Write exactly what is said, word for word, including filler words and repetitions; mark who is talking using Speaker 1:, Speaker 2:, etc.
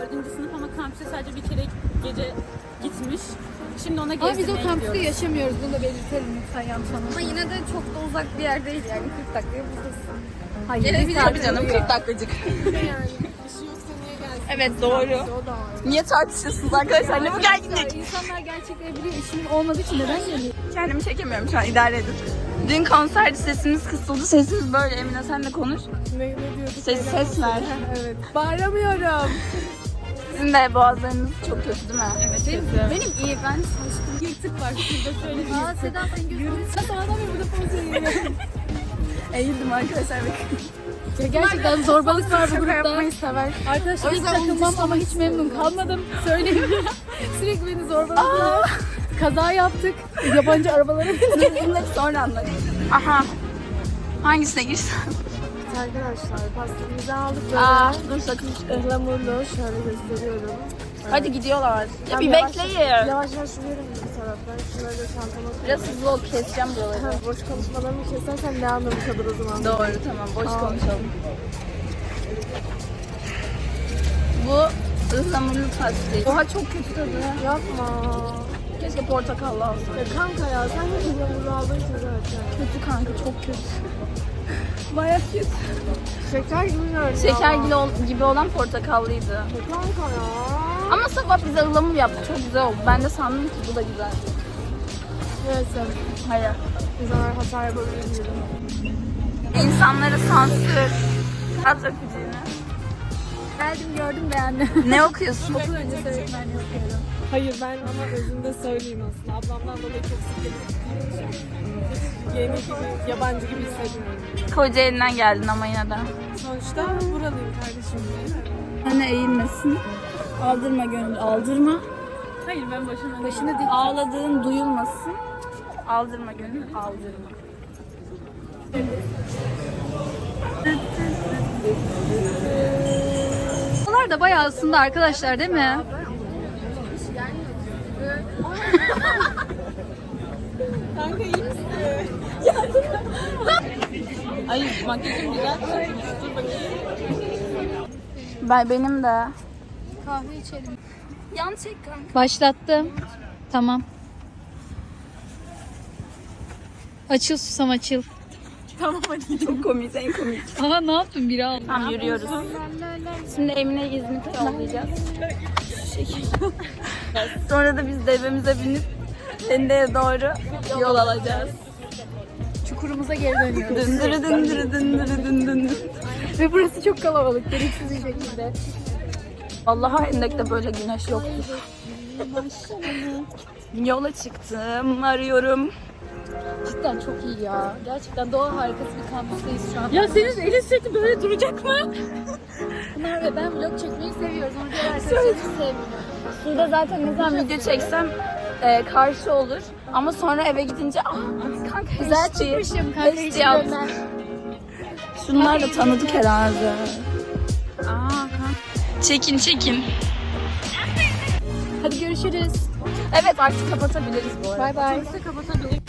Speaker 1: dördüncü sınıf ama kampüse sadece bir kere gece gitmiş. Şimdi ona
Speaker 2: Ama biz
Speaker 1: gezdirmeye
Speaker 2: o kampüste
Speaker 1: gidiyoruz.
Speaker 2: yaşamıyoruz. Bunu da belirtelim lütfen yanlış anlamayın.
Speaker 3: Ama yine de çok da uzak bir yer değil yani kırk dakikaya buradasın.
Speaker 2: Hayır.
Speaker 3: Gelebilir
Speaker 1: Tabii canım kırk dakikacık. Evet doğru. Niye tartışıyorsunuz arkadaşlar? Ne bu gerginlik?
Speaker 2: İnsanlar gerçekten biliyor. İşinin olmadığı için neden geliyor?
Speaker 1: Kendimi çekemiyorum şu an, idare edin. Dün konserde sesimiz kısıldı. Sesimiz böyle. Emine sen de konuş.
Speaker 3: Ne, ne diyorduk?
Speaker 1: Ses, ses ver.
Speaker 3: Evet. Bağıramıyorum.
Speaker 1: Sizin de boğazlarınız çok kötü değil mi? Evet
Speaker 2: Benim,
Speaker 1: kötü.
Speaker 2: benim iyi. Ben şaşkın. Yırtık var. Şurada şöyle bir
Speaker 3: Aa Seda sen görüyorsun.
Speaker 2: Sen bana da burada poz veriyor.
Speaker 1: Eğildim arkadaşlar bakın.
Speaker 2: Ya gerçekten zorbalık var bu
Speaker 3: Şaka
Speaker 2: grupta.
Speaker 3: yapmayı sever.
Speaker 2: Arkadaşlar
Speaker 3: O
Speaker 2: hiç
Speaker 3: yüzden
Speaker 2: takılmam ama hiç memnun kalmadım. Söyleyeyim. Sürekli beni zorbaladılar. Kaza yaptık. Yabancı arabalara bindik.
Speaker 1: Bunları sonra anlatayım. Aha. Hangisine girsem?
Speaker 3: Arkadaşlar pastamızı aldık böyle.
Speaker 1: Aa, dur sakın.
Speaker 3: Ihlamurlu şöyle gösteriyorum.
Speaker 1: Hadi gidiyorlar. Ya
Speaker 3: Abi
Speaker 1: bir
Speaker 3: yavaş-
Speaker 1: bekleyin.
Speaker 3: Yavaş yavaş yürüyorum bir taraftan. Şunları da çantama koyayım.
Speaker 1: Biraz hızlı ol, keseceğim buraları.
Speaker 3: Ha, boş konuşmalarımı kesersen ne anlamı kalır o zaman?
Speaker 1: Doğru tamam, boş
Speaker 3: Aa.
Speaker 1: konuşalım. Bu ıhlamurlu pastayı. Oha çok kötü tadı.
Speaker 3: Yapma.
Speaker 1: Keşke portakallı alsaydım.
Speaker 3: Ya kanka ya sen de ıhlamurlu aldın ki zaten.
Speaker 1: Kötü kanka, çok kötü. Bayağı kötü.
Speaker 3: Şeker gibi görünüyor
Speaker 1: Şeker
Speaker 3: ama.
Speaker 1: gibi, ol- gibi olan portakallıydı.
Speaker 3: Kanka ya.
Speaker 1: Ama sabah bize ıhlamur yaptı, çok güzel oldu. Ben de sandım ki bu da güzel.
Speaker 3: Neyse.
Speaker 1: Hayır.
Speaker 3: İnsanlar hata yapabilir diyelim.
Speaker 1: İnsanlara sansür. At öpücüğünü.
Speaker 2: Geldim gördüm beğendim.
Speaker 1: Ne okuyorsun?
Speaker 2: Okul öncesi öğretmenliği okuyorum.
Speaker 3: Hayır ben ama özünde söyleyeyim aslında. Ablamdan dolayı çok sık gelip yeni gibi, yabancı gibi hissediyorum.
Speaker 1: Kocaeli'nden geldin ama yine de.
Speaker 3: Sonuçta buralıyım kardeşim değil mi?
Speaker 1: Anne eğilmesin. Aldırma gönül, aldırma.
Speaker 2: Hayır ben başına başına değil.
Speaker 1: Ağladığın duyulmasın. Aldırma gönül, aldırma.
Speaker 2: Bunlar da bayağı aslında arkadaşlar değil mi?
Speaker 1: Kanka iyi misin? Ay makyajım güzel. Dur bakayım. Ben benim de.
Speaker 2: Kahve içelim.
Speaker 1: Yan çek kanka.
Speaker 2: Başlattım. Tamam. Açıl susam açıl.
Speaker 1: Tamam hadi. Çok komik, en komik.
Speaker 2: Aha ne yaptın biri al.
Speaker 1: Tamam yürüyoruz. Şimdi Emine'yi İzmit'e yollayacağız. Şu şekilde. Sonra da biz devemize binip Fende'ye doğru yol alacağız.
Speaker 2: Çukurumuza geri dönüyoruz.
Speaker 1: Dındırı dındırı dındırı dındırı.
Speaker 2: Ve burası çok kalabalık. Gereksiz bir şekilde.
Speaker 1: Vallahi Hendek'te böyle güneş yoktur. Yola çıktım, arıyorum.
Speaker 2: Cidden çok iyi ya. Gerçekten doğa harikası bir kampüsteyiz şu an.
Speaker 1: Ya senin elin sürekli böyle duracak mı?
Speaker 2: Pınar ve ben vlog çekmeyi seviyoruz. Onu diğer arkadaşlarımız sevmiyor.
Speaker 1: Şurada zaten ne zaman video çeksem e, karşı olur. Ama sonra eve gidince ah kanka
Speaker 2: Güzel
Speaker 1: H D,
Speaker 2: çıkmışım kanka.
Speaker 1: H
Speaker 2: hiç
Speaker 1: D yap.
Speaker 2: görmem.
Speaker 1: Şunlar da tanıdık herhalde. Aa kanka. Çekin çekin.
Speaker 2: Hadi görüşürüz.
Speaker 1: Evet artık kapatabiliriz bu arada.
Speaker 2: Bay bay.
Speaker 1: Kapatabiliriz.